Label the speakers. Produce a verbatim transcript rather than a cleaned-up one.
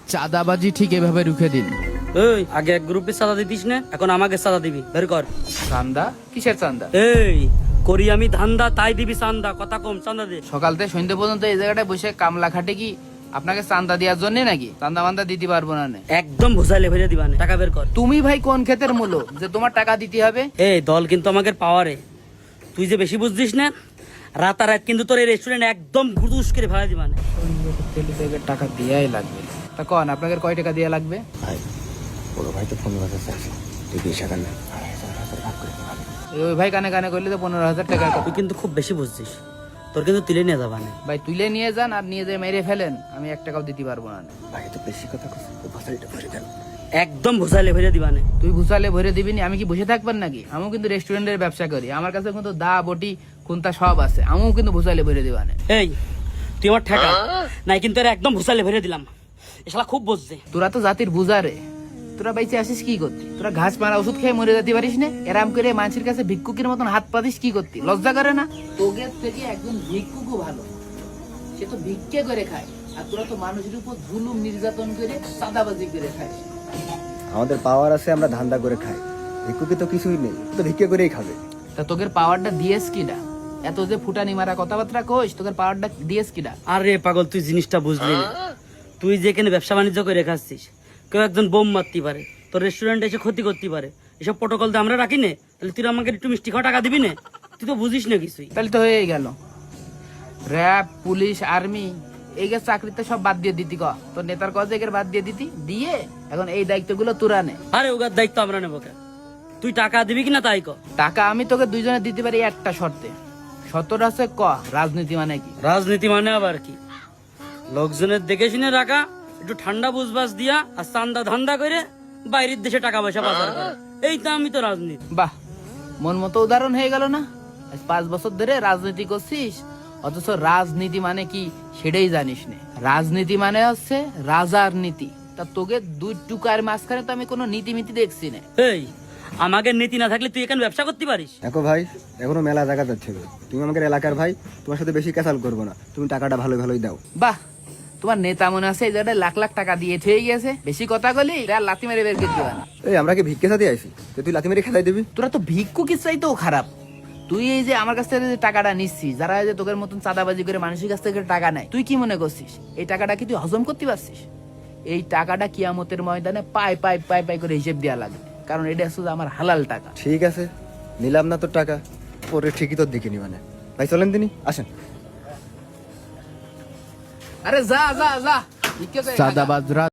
Speaker 1: চাঁদাবাজি ঠিক এভাবে রুখে দিন।
Speaker 2: এই আগে এক গ্রুপে চাঁদা দিতিস না, এখন আমাকে চাঁদা দিবি, বের কর।
Speaker 1: চান্দা? কিসের চান্দা?
Speaker 2: এই করি আমি ধান্দা, তাই দিবি চান্দা, কথা কম, চান্দা দে।
Speaker 1: সকাল থেকে সন্ধ্যে পর্যন্ত এই জায়গাটায় বসে কামলা খাটে কি আপনাকে চান্দা দেওয়ার জন্য নাকি? চান্দা মান্দা দিতে পারবো না নে।
Speaker 2: একদম ভুসাইলে ভরে দিবা না, টাকা বের কর।
Speaker 1: তুমি ভাই কোন ক্ষেতের মূলো যে তোমার টাকা দিতে হবে?
Speaker 2: এই দল কিন্তু আমাকে পাওয়ারে, তুই যে বেশি বুঝছিস না, রাতারাত কিন্তু তোর এই রেস্টুরেন্ট একদম গুদুস করে ফেলা দিবা না।
Speaker 1: টাকা দেওয়াই লাগবে। তা কন আপনাদের কয় টাকা দেওয়া লাগবে?
Speaker 3: ভাই বড় ভাই তো পনেরো হাজার চাইছে, তুই বিশ হাজার নেই, আড়াই হাজার হাজার ভাগ করে দিবি।
Speaker 1: ওই ভাই কানে কানে করলে তো পনেরো হাজার টাকা।
Speaker 2: তুই কিন্তু খুব বেশি বুঝছিস, তোর কিন্তু তুলে নিয়ে যাবা না।
Speaker 1: ভাই তুলে নিয়ে যান আর নিয়ে যেয়ে মেরে ফেলেন, আমি এক টাকাও দিতে পারবো না।
Speaker 3: ভাই তো বেশি কথা কইছিস, তো ভাষাটা ভরে দেন।
Speaker 2: একদম ভুসাইলে ভরে দিবা না।
Speaker 1: তুই ভুসালে ভরে দিবিনি, আমি কি বসে থাকবেন নাকি? আমিও কিন্তু রেস্টুরেন্টের ব্যবসা করি, আমার কাছে কিন্তু দা বটি কোনটা সব আছে, আমিও কিন্তু ভুসালে ভরে দিবা না।
Speaker 2: এই তুই আমার ঠেকা নাই, কিন্তু এর একদম ভুসাইলে ভরে দিলাম। এসলা খুব বুঝছে।
Speaker 1: তোরা তো জাতির বুঝারে, তোরা বাইচে আসিস কি করতি? তোরা ঘাস মারা ওষুধ খেয়ে মরে যেতে পারিস না? এরাম করে মানুষের কাছে ভিক্ষুকের মতন হাত পাতিস কি করতি? লজ্জা করে না? তোদের থেকে একজন ভিক্ষুকও ভালো, সে তো ভিক্ষে করে খায়, আর তোরা তো মানুষের উপর জুলুম নির্যাতন করে চাঁদাবাজি করে খায়।
Speaker 3: আমাদের পাওয়ার আছে, আমরা ধান্দা করে খাই, ভিক্ষুকে তো কিছুই নেই, তো ভিক্ষে করেই খাবে।
Speaker 1: তা তোদের পাওয়ারটা দিয়েস কিনা? এত যে ফুটানি মারা কথাবার্তা কইস, তোদের পাওয়ারটা দিয়েস কিনা?
Speaker 2: আরে পাগল, তুই জিনিসটা বুঝলি না। তুই যেখানে ব্যবসা বাণিজ্য করে খাচ্ছিস, কেউ একজন বোম মারতে পারে, তোর রেস্টুরেন্টে এসে ক্ষতি করতে পারে, এসব প্রোটোকল তো আমরা রাখি না। তাহলে তুই আমাকে একটু মিষ্টি খাওয়া টাকা দিবি না? তুই তো বুঝিস না কিছুই।
Speaker 1: তাহলে তো হয়েই গেল। র্যাব, পুলিশ, আর্মি এই যে চাকরিতে সব বাদ দিয়ে দিতি, ক তোর নেতার কাজে বাদ দিয়ে দিতি, দিয়ে এখন এই দায়িত্বগুলো তোরা নে।
Speaker 2: আরে ওগার দায়িত্ব আমরা নেবো কেন? তুই টাকা দিবি কিনা তাই ক।
Speaker 1: টাকা আমি তোকে দুইজনে দিতে পারি একটা শর্তে। শর্তটা আছে ক রাজনীতি মানে কি?
Speaker 2: রাজনীতি মানে আবার কি? লোকজনের দেখে শুনে রাখা, একটু ঠান্ডা বুঝবাস দিয়া আর চান্দা ধান্দা করে বাইরের দেশে টাকা পয়সা পাচার করা, এই তো আমি তো রাজনীতি।
Speaker 1: বাহ, মন মতো উদাহরণ হয়ে গেল না? আজ পাঁচ বছর ধরে রাজনীতি করছিস, অথচ রাজনীতি মানে কি সেটাই জানিস না। রাজনীতি মানে হচ্ছে রাজার নীতি। তা তোকে দুই টুকার মাঝখানে তো আমি কোনো নীতি মিতি দেখছি না।
Speaker 2: এই আমাকে নীতি না থাকলে তুই এখানে ব্যবসা করতে পারিস?
Speaker 3: দেখো ভাই, এখনো মেলা জায়গা যাচ্ছে, তুমি আমাদের এলাকার ভাই, তোমার সাথে বেশি ক্যাসাল করবো না, তুমি টাকাটা ভালো ভালোই দাও।
Speaker 1: বাহ, তোমার নেতা মনে আছে এই জায়গায় লাখ লাখ টাকা দিয়ে ঠিক গেছে, বেশি কথা বলি আর লাথি মেরে বের করে দিবা না।
Speaker 3: এই আমরা কি ভিক্ষে সাথে আইছি যে তুই লাথি মেরে খেলাই দিবি?
Speaker 1: তোরা তো ভিক্ষুকের চাইতেও খারাপ। তুই এই যে আমার কাছ থেকে যে টাকাটা নিচ্ছিস, যারা এই যে তোদের মতন চাঁদাবাজি করে মানুষের কাছ থেকে টাকা নেয়, তুই কি মনে করছিস এই টাকাটা কি তুই হজম করতে পারছিস? এই টাকাটা কিয়ামতের ময়দানে পাই পাই পাই পাই করে হিসেব দেওয়া লাগবে, কারণ এটা শুধু আমার হালাল টাকা।
Speaker 3: ঠিক আছে, নিলাম না তোর টাকা, পরে ঠিকই তোর দিকে নিবা না। ভাই চলেন তিনি, আসেন।
Speaker 1: আরে যা যা যা, চাঁদাবাজরা